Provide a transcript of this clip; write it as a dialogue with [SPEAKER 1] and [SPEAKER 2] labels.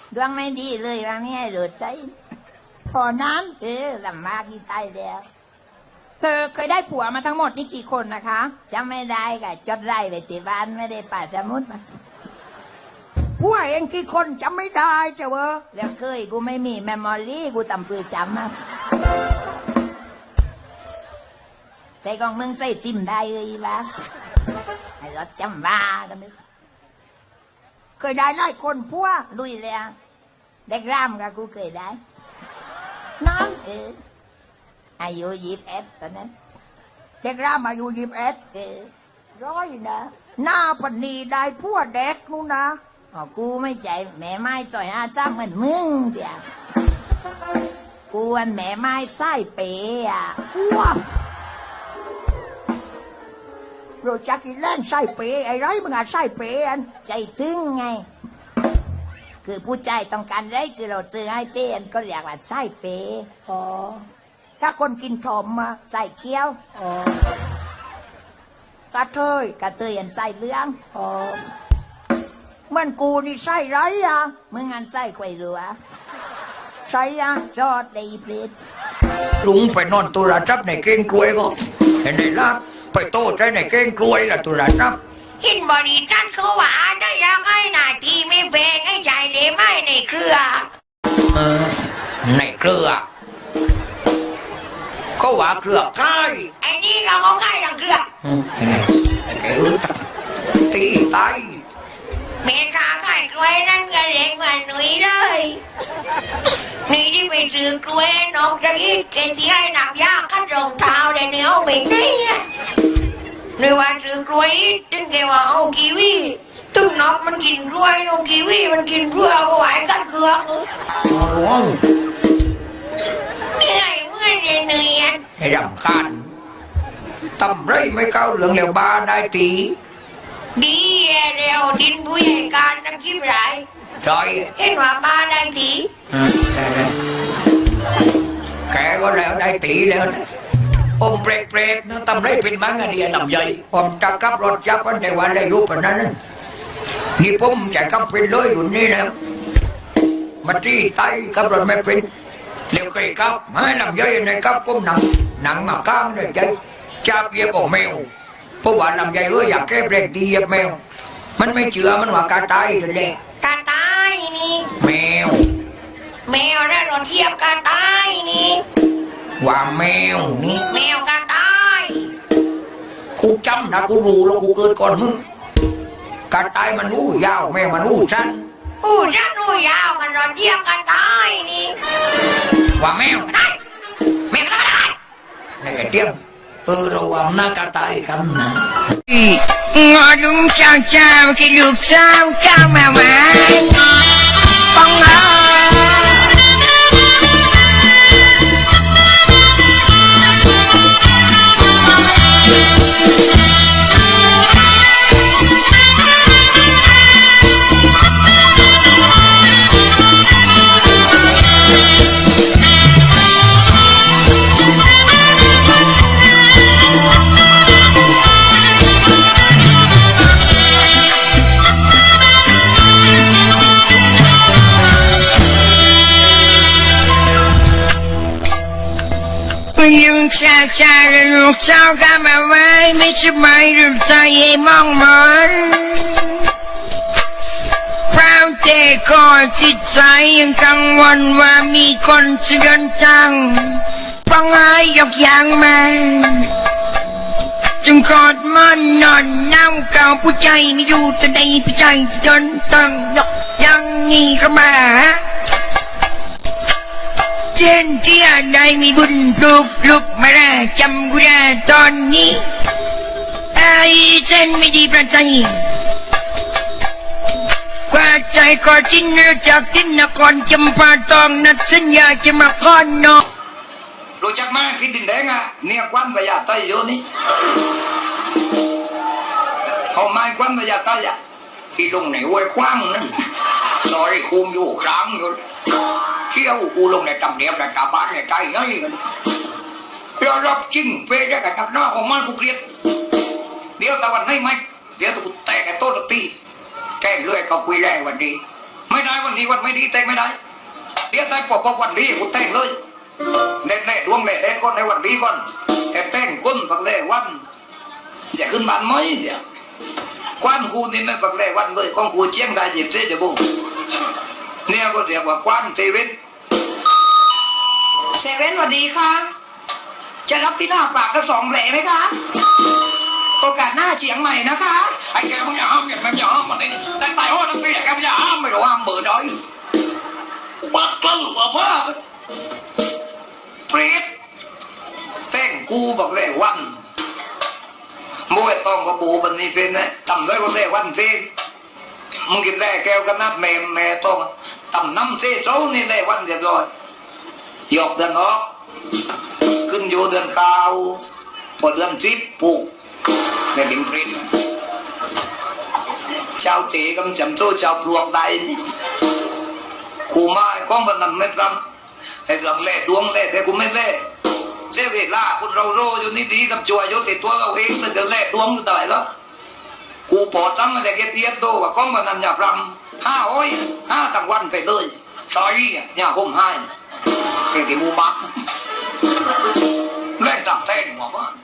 [SPEAKER 1] ดวงไม่ดีเลยรังนี้ให้หลุดใจพอนั้นลำบากที่ตายแล้วเธอเคยได้ผัวมาทั้งหมดนี่กี่คนนะคะจำไม่ได้ค่ะจดไร่ไปที่บ้านไม่ได้ป่าสมุดมาผัวเองกี่คนจำไม่ได้เจ้าเวอแล้วเคยกูไม่มีเมมโมรี่กูตำปือจำมาแต่กองมึงใจจิ้มได้เลยบ้าไอ้รถจำบ้ากันนึกเคยได้หลายคนผัวลุยเลยเด็กร่ำกับกูเคยได้น้องอายุ21ตอนนั้นเด็กร่ำอายุ21ร้อยนะหน้าปนีได้ผัวเด็กนู่นนะอ๋อกูไม่ใจแม่ไม้จ่อยอาจ้างเหมือนมึงเดียวกูวันแม่ไม้ไส้เป๋อะว้าโรจักกิเล่นไส้เป๋ไอ้ไรมึงอะไส้เป๋อันใจถึงไงคือผู้ใจต้องการไรคือเราซื้อให้เต้นก็เรียกว่าไส้เป๋อ๋อถ้าคนกินถมมาใส่เคี้ยวอ๋อกระเทยอันใส่เลี้ยงอ๋อมันกูนี่ใส่ไรอ่ะมึงอันใส่ไข่รัวใส่อ่ะจอดในเพลท
[SPEAKER 2] ลุงไปนอนตุลาจับในเก้งกล้วยก็เห็นไหมล่ะไปโต้ใจในเก้งกล้วยล่ะตุลาจับ
[SPEAKER 3] หินบริษัทเขาว่าได้ยังไงหน้าที่ไม่แพงให้ใจได้ไหมในเครือ
[SPEAKER 2] ในเครือเขาว่าเครือใคร
[SPEAKER 3] ไอ้นี่ก็เขาให้ทั้งเครือ
[SPEAKER 2] ไอ้รู้ตีตาย
[SPEAKER 3] เมฆาขายกล้วยนั่นก็เล็กกว่าหนุ่ยเลยนี่ที่ไปซื้อกล้วยนอกจากอีกเกที่ให้หนักยากขั้นรองเท้าได้เนื้อเป็นได้เนี่ยหรือว่าซื้อกล้วยถึงแกว่าเอากีวีตุ้งนกมันกินกล้วยนกกีวีมันกินเพื่อเอาไว้กัดเกลือเหนื่อยเมื่อยเหนื่อย
[SPEAKER 2] ให้รำคาญทำไรไม่เข้าเรื่องแล้วบ้าได้ตี
[SPEAKER 3] ดีเร็วดินผู้ใหญ่การนักคิดไร
[SPEAKER 2] จอย
[SPEAKER 3] เห็นว่าบ้าได้ตี
[SPEAKER 2] แกก็แล้วได้ตีแล้วนะอมเปรตนะทำไรเป็นมังอันนี้ลำใหญ่ผมจะขับรถจับมันในวันได้รู้ปนนั้นนี่ผมจะขับเป็นเลยรุ่นนี้แล้วมาที่ไตขับรถไม่เป็นเดี๋ยวเคยขับให้ลำใหญ่ในขับผมหนังมาข้างเลยใจจับเย็บของแมวเพราะว่าลำใหญ่อยากแก้เบรกตีเย็บแมวมันไม่เชื่อมันว่ากาตายเลย
[SPEAKER 3] กาตายนี่
[SPEAKER 2] แมว
[SPEAKER 3] ได้รถเทียบกาตายนี่
[SPEAKER 2] ว่าแมวนี่
[SPEAKER 3] แมวกาตาย
[SPEAKER 2] กูจำนะกูรู้แล้วกูเกิดก่อนมึงกาตายมันรู้ยาวแมวมันรู้สั้น
[SPEAKER 3] รู้ยาวมันรถเทียบกาตายนี่
[SPEAKER 2] ว่าแมว
[SPEAKER 3] ได้แมวก็ได้
[SPEAKER 2] ในกระเทียมระวังหน้ากาตายกันนะ
[SPEAKER 3] งอลุงเจ้ากินลูกเจ้าก้าวมาไว้ฟังลุงเจ้าลูกเจ้าก้าวมาไว้ไม่ใช่ไม่รู้ใจมองมันเพราะแต่ก่อนจิตใจยังกังวลว่ามีคนจะเดินทางฟังให้ยกอย่างมันจึงกอดมันนอนน้ำเก่าผู้ใจไม่อยู่แต่ในผู้ใจจนต้องยกอย่างนี้เข้ามาเช่นที่ได้มีบุญปลุกมาได้จำกูได้ตอนนี้ไอ้เช่นไม่ดีประใจกว่าใจก็ทิ้งจากทิ้งนครจำปาตองนัดสัญญาจะมาก้อนนก
[SPEAKER 2] รู้จักมาคิดดินแดงอ่ะเนี่ยควันพยาไตอยู่นี่เขาไม้ควันพยาไตอ่ะที่ลงในห้วยคว้างนั่นลอยคุมอยู่ครั้งอยู่เที่ยวกูลงในตำเนียบในชาวบ้านในใจง่ายกันเรารับจริงเพื่อได้กับนักหน้าของมันกูเกลียดเดี๋ยวตะวันให้ไหมเดี๋ยวกูแตกไอ้โต๊ะตีแกล้งเลื่อยเขาคุยแรงวันนี้ไม่ได้วันนี้วันไม่ดีแต่งไม่ได้เดี๋ยวได้ปกวันดีกูแต่งเลยเด็ดดวงเด็ดก่อนในวันดีก่อนแต่งก้นปักเล่วันจะขึ้นบ้านไหมเดี๋ยวควันคูนี่ไม่ปักเล่วันเลยของคูเชียงได้จิตเสียจะบุ้งเนี่ยก็เรียกว่าควันเซเว่น
[SPEAKER 3] เซเว่นสวัสดีค่ะจะรับที่หน้าปากทั้ง2 แผลไหมคะโอกาสหน้าเฉียงใหม่นะคะ
[SPEAKER 2] ไอ้แกมึงอย่าห้ามแกอย่าห้ามมันนี่ได้ตายโอ้ทั้งปีแกมึงอย่าห้ามไม่รู้ห้ามเบอร์ด้อยปักกล้าผ้าเปรตแต่งกูบอกเลยวันมวยต้องกระปูบันนี้เป็นนะทำได้ก็ได้วันเพลงมึงกินแร่แก้วกันนัดแม่ต้องทำน้ำเสียโซ่นี่ได้วันเรียบร้อยหยอกเดือนออกขึ้นอยู่เดือนเก้าพอเดือน10ผูกในดิมปรินเจ้าตีกำจำโซ่เจ้าปลวกได้กูมาก้องพนันไม่ทำไอ้เรื่องเล่ดวงเล่แต่กูไม่เล่เจ้าเวลาคุณเราโรอยู่นี่ดีกับจัวอยู่ติดตัวเราเองมันจะเล่ดวงอยู่ตายแล้วกูปอดตั้งอะไรแกเทียบโตว่าก้องพนันอย่าพรำ5 ตั้งวันไปเลยซอยอย่าคมให้เป็นกี่มูบักแรกตับแทงหัวบ้าน